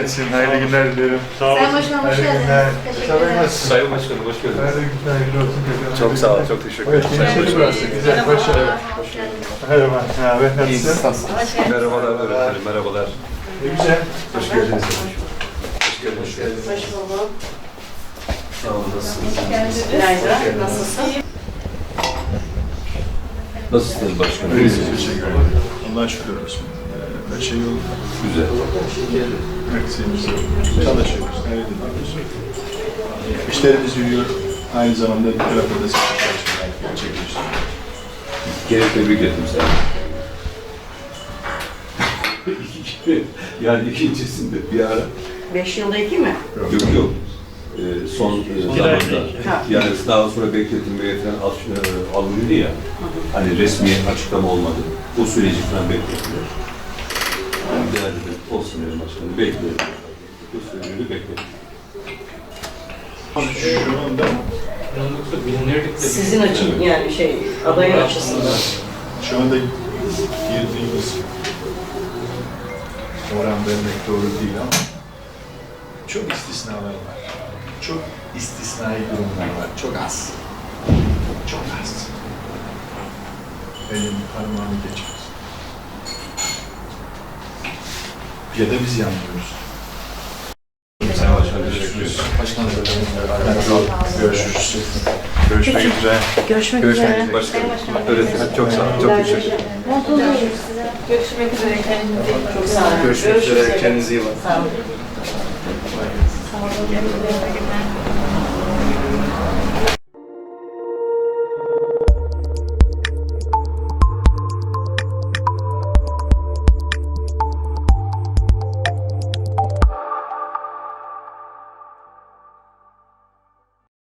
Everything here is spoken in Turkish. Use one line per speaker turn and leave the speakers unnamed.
etsin. Hayırlı günler dilerim.
Sağ olun.
Sayın Başkanım hoş geldiniz. Teşekkürler.
Sayın Başkanım hoş geldiniz.
Hayırlı günler, hayırlı olsun.
Çok sağ olun, çok teşekkür ederim.
Gençleri burası. Güzel, başarılı.
Hoş geldiniz.
Merhaba, ne haber, nasılsın?
Hoş geldiniz.
Merhabalar öğretmenim, merhabalar.
Ne güzel.
Hoş geldiniz. Hoş geldiniz.
Hoş bulduk.
Sağ olun, nasılsınız?
Günaydın. Nasılsın?
Nasılsınız başkanım?
İyiyiz, teşekkür ederim. Allah'a şükür olsun. Her şey yolunda.
Güzel.
Eksiğimiz yok. Çalışıyoruz, gayret ediyoruz. İşlerimiz yürüyor. Aynı zamanda bir tarafta da seçim çalışmalar gerçekleştiriyoruz.
Gene tebrik ettim seni. Yani ikincisinde bir ara.
5 yılda 2 mi?
Yok. Son zamanda. Yani daha sonra bekletilmeye falan alınıyordu ya. Hani resmi açıklama olmadı. O süreci falan bekletiyor. Ben bir dedim, olsun dedim başkanım, bekleyelim. O süreci bekleyelim.
Şu anda
Sizin açın yani adayın açısından.
Şu anda girdiğimiz oran vermek doğru değil ama çok istisnalar var. Çok istisnai durumlar var. Çok az. Çok az. Elin parmağını geçmez. Ya da biz yanılıyoruz.
Sayın Başkanım, teşekkür ederim.
Başkanım, görüşürüz. Görüşmek üzere.
Görüşmek üzere.
Başkanım, öğretmenim çok sağ olun, çok teşekkür ederim.
Görüşmek üzere. Kendinize iyi bakın. Çok sağ olun.
Görüşmek üzere. Kendinize
iyi bakın. Sağ olun. Sağ olun.